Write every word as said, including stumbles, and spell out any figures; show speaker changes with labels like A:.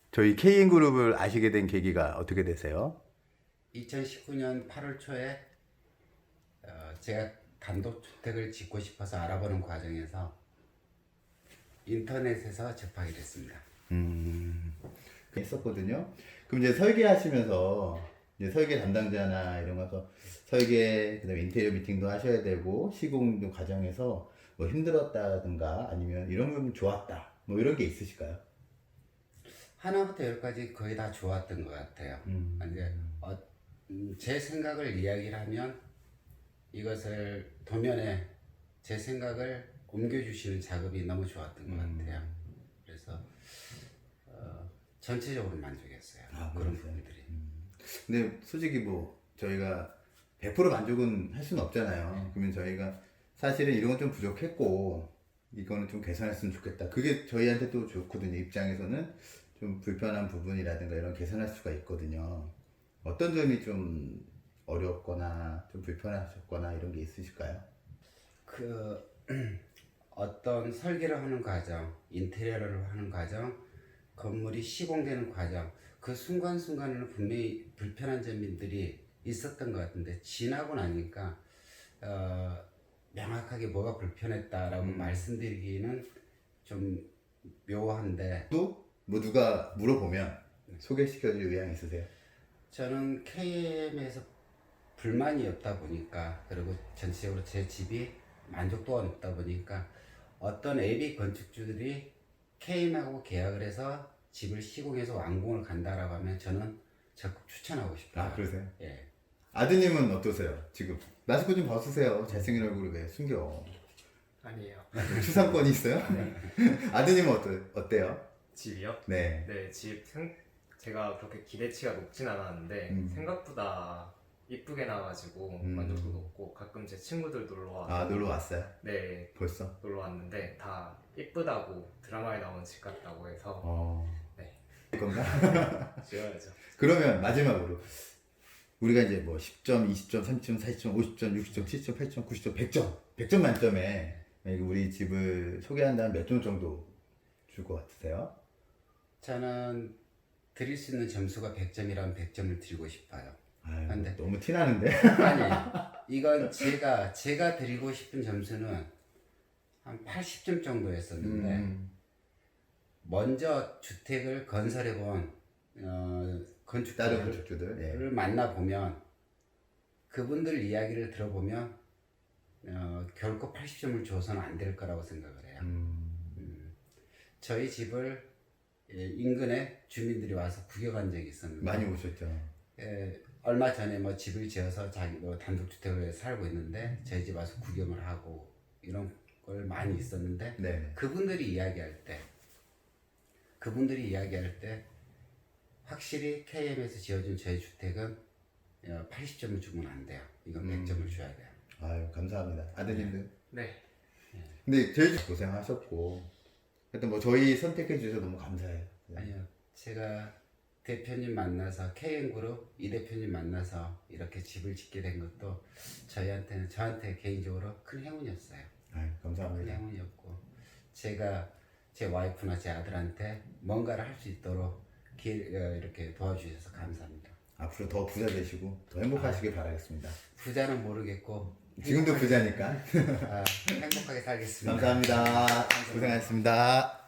A: 저희 케이엔그룹을 아시게 된 계기가 어떻게 되세요?
B: 이천십구 년 팔월 초에 어, 제가 단독주택을 짓고 싶어서 알아보는 과정에서 인터넷에서 접하게 됐습니다.
A: 음, 했었거든요. 그럼 이제 설계하시면서 이제 설계 담당자나 이런 거서 설계, 그다음에 인테리어 미팅도 하셔야 되고 시공도 과정에서 뭐 힘들었다든가 아니면 이런 건 좋았다, 뭐 이런 게 있으실까요?
B: 하나부터 열까지 거의 다 좋았던 것 같아요.
A: 음.
B: 이제 어, 음, 제 생각을 이야기를 하면 이것을 도면에 제 생각을 옮겨주시는 작업이 너무 좋았던 것
A: 음.
B: 같아요. 그래서 어, 전체적으로 만족했어요.
A: 아,
B: 그런
A: 그러세요?
B: 부분들이.
A: 근데 솔직히 뭐 저희가 백 퍼센트 만족은 할 수는 없잖아요. 그러면 저희가 사실은 이런 건 좀 부족했고 이거는 좀 개선했으면 좋겠다. 그게 저희한테 또 좋거든요. 입장에서는 좀 불편한 부분이라든가 이런 개선할 수가 있거든요. 어떤 점이 좀 어렵거나 좀 불편하셨거나 이런 게 있으실까요?
B: 그 어떤 설계를 하는 과정, 인테리어를 하는 과정, 건물이 시공되는 과정, 그 순간순간에는 분명히 불편한 점들이 있었던 것 같은데 지나고 나니까 어, 명확하게 뭐가 불편했다라고
A: 음.
B: 말씀드리기는 좀 묘한데
A: 또 뭐 누가 물어보면 소개시켜줄 의향 있으세요?
B: 저는 케이엠에서 불만이 없다 보니까 그리고 전체적으로 제 집이 만족도가 높다 보니까 어떤 에이비 건축주들이 케이엠하고 계약을 해서 집을 시공해서 완공을 간다라고 하면 저는 적극 추천하고 싶어요.
A: 아, 그러세요?
B: 예.
A: 아드님은 어떠세요? 지금 마스크 좀 벗으세요. 잘생긴 얼굴을 왜 숨겨?
C: 아니에요.
A: 추상권이 있어요? 아드님은 어떠, 어때요?
C: 집이요?
A: 네.
C: 네, 집 생, 제가 그렇게 기대치가 높진 않았는데
A: 음.
C: 생각보다 이쁘게 나와가지고
A: 음.
C: 만족도 높고 가끔 제 친구들 놀러 와서
A: 아, 놀러 왔어요?
C: 네,
A: 벌써?
C: 놀러 왔는데 다 이쁘다고 드라마에 나오는 집 같다고 해서
A: 어.
C: 네,
A: 건가?
C: 지어야죠.
A: 그러면 마지막으로 우리가 이제 뭐 십 점, 이십 점, 삼십 점, 사십 점, 오십 점, 육십 점, 칠십 점, 팔십 점, 구십 점, 백 점, 백 점 만점에 우리 집을 소개한다면 몇 점 정도 줄 것 같으세요?
B: 저는 드릴 수 있는 점수가 백 점이라면 백 점을 드리고 싶어요.
A: 아유,
B: 근데-
A: 너무 티나는데?
B: 아니, 이건 제가 제가 드리고 싶은 점수는 한 팔십 점 정도였었는데
A: 음.
B: 먼저 주택을 건설해 본 어,
A: 다른
B: 건축가를
A: 건축주들. 네.
B: 만나 보면 그분들 이야기를 들어보면 어, 결코 팔십 점을 줘서는 안 될 거라고 생각을 해요.
A: 음.
B: 저희 집을 예, 인근에 주민들이 와서 구경한 적이 있었는데
A: 많이 오셨죠?
B: 예, 얼마 전에 뭐 집을 지어서 자기 뭐 단독주택을 살고 있는데 저희 집 와서 구경을 하고 이런 걸 많이 있었는데
A: 네.
B: 그분들이 이야기할 때 그분들이 이야기할 때 확실히 케이엠에서 지어준 저희 주택은 어, 팔십 점을 주면 안 돼요. 이건 백 점을 줘야 돼요.
A: 아유, 감사합니다. 아드님들.
C: 네,
A: 근데 제일 고생하셨고 하여튼 뭐 저희 선택해 주셔서 너무 감사해요. 네.
B: 아니요, 제가 대표님 만나서 케이엠그룹 이 대표님 만나서 이렇게 집을 짓게 된 것도 저희한테는 저한테 개인적으로 큰 행운이었어요.
A: 아유,
B: 큰
A: 감사합니다.
B: 행운이었고 제가 제 와이프나 제 아들한테 뭔가를 할 수 있도록 길, 어, 이렇게 도와주셔서 감사합니다.
A: 앞으로 더 부자 되시고 더 행복하시길 바라겠습니다.
B: 부자는 모르겠고
A: 지금도 부자니까.
B: 아, 행복하게 살겠습니다.
A: 감사합니다. 고생하셨습니다.